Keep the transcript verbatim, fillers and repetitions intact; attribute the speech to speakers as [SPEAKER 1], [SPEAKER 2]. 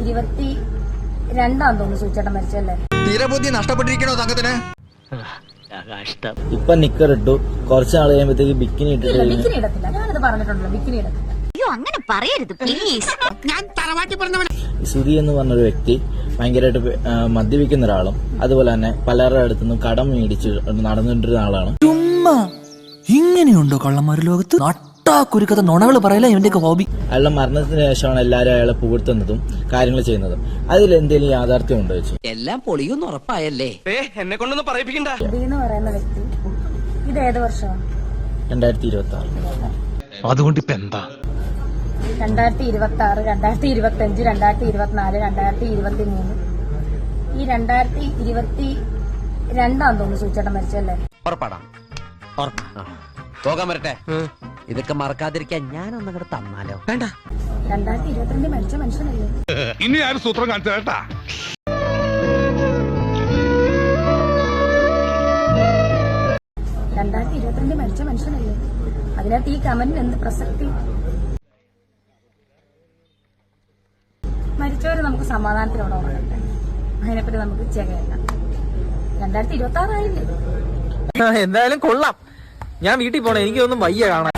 [SPEAKER 1] ഇരുപത്തി രണ്ടാം തോന്നുന്നു സൂചേട്ടൻ മരിച്ചല്ലേ.
[SPEAKER 2] തീരബുദ്ധി നഷ്ടപ്പെട്ടിരിക്കണോ തങ്കത്തിന്?
[SPEAKER 3] ഇപ്പൊ നിക്കർ ഇട്ടു, കുറച്ച് നാൾ കഴിയുമ്പോഴത്തേക്ക് ബിക്കിനി ഇട്ടിട്ട്
[SPEAKER 1] ബിക്കിനി ഇടത്തില്ല. ഞാനത് പറഞ്ഞിട്ടുണ്ടല്ലോ, ബിക്കിനി ഇടത്തില്ല.
[SPEAKER 4] അയ്യോ അങ്ങനെ പറയരുത് പ്ലീസ്. ഞാൻ തറവാട്ടി പറഞ്ഞവൻ.
[SPEAKER 3] സുധി എന്ന് പറഞ്ഞൊരു വ്യക്തി ഭയങ്കരമായിട്ട് മദ്യപിക്കുന്ന ഒരാളും അതുപോലെ തന്നെ പലരുടെ അടുത്തുനിന്നും കടം മേടിച്ച് നടന്നിട്ടിരുന്ന ആളാണ്.
[SPEAKER 5] ചുമ്മാ ഇങ്ങനെയുണ്ടോ കള്ളന്മാര് ലോകത്ത്? നട്ടാക്കുരുക്കത്തെ നുണകള് പറയല ഇവന്റെയൊക്കെ ഹോബി.
[SPEAKER 3] അയാളുടെ മരണത്തിന് ശേഷമാണ് എല്ലാവരും അയാളെ പുകഴ്ത്തുന്നതും കാര്യങ്ങൾ ചെയ്യുന്നതും. അതിൽ എന്തെങ്കിലും യാഥാർത്ഥ്യം ഉണ്ടോ വെച്ചു?
[SPEAKER 6] എല്ലാം പൊളിയൊന്നും ഉറപ്പായല്ലേ? എന്നെ കൊണ്ടൊന്നും പറയിപ്പിക്കണ്ട.
[SPEAKER 1] എന്ന് പറയുന്ന വ്യക്തി ഇത് ഏത് വർഷമാണ്?
[SPEAKER 3] രണ്ടായിരത്തി ഇരുപത്തി ആറ്.
[SPEAKER 5] അതുകൊണ്ട് ഇപ്പൊ എന്താ?
[SPEAKER 1] രണ്ടായിരത്തി ഇരുപത്തി ആറ്, രണ്ടായിരത്തി ഇരുപത്തി അഞ്ച്, രണ്ടായിരത്തി ഇരുപത്തിനാല്, രണ്ടായിരത്തി ഇരുപത്തി മൂന്ന്, ഈ രണ്ടായിരത്തി ഇരുപത്തി രണ്ടാം തോന്നുന്നു സൂചേട്ടൻ മരിച്ചല്ലേ.
[SPEAKER 6] ഉറപ്പാടാ, പോകാൻ വരട്ടെ. ഇതൊക്കെ മറക്കാതിരിക്കാൻ ഞാനൊന്നും കൂടെ തന്നാലോ? വേണ്ട.
[SPEAKER 1] രണ്ടായിരത്തി ഇരുപത്തിരണ്ടിൽ മരിച്ച മനുഷ്യനല്ലേ.
[SPEAKER 7] ഇനി ആരും സൂത്രം കാണിച്ചു കേട്ടാ.
[SPEAKER 1] രണ്ടായിരത്തി ഇരുപത്തിരണ്ടിൽ മരിച്ച മനുഷ്യനല്ലേ. അതിനകത്ത് ഈ കമന്റിന് എന്ത് പ്രസക്തി? മരിച്ചവര് നമുക്ക് സമാധാനത്തിനോടെ ഉറങ്ങട്ടെ, അതിനെപ്പറ്റി നമുക്ക് ചെകയല്ല. രണ്ടായിരത്തി ഇരുപത്തി ആറായില്ലേ.
[SPEAKER 5] എന്തായാലും കൊള്ളാം. ഞാൻ വീട്ടിൽ പോണേ, എനിക്കൊന്നും വയ്യ കാണാൻ.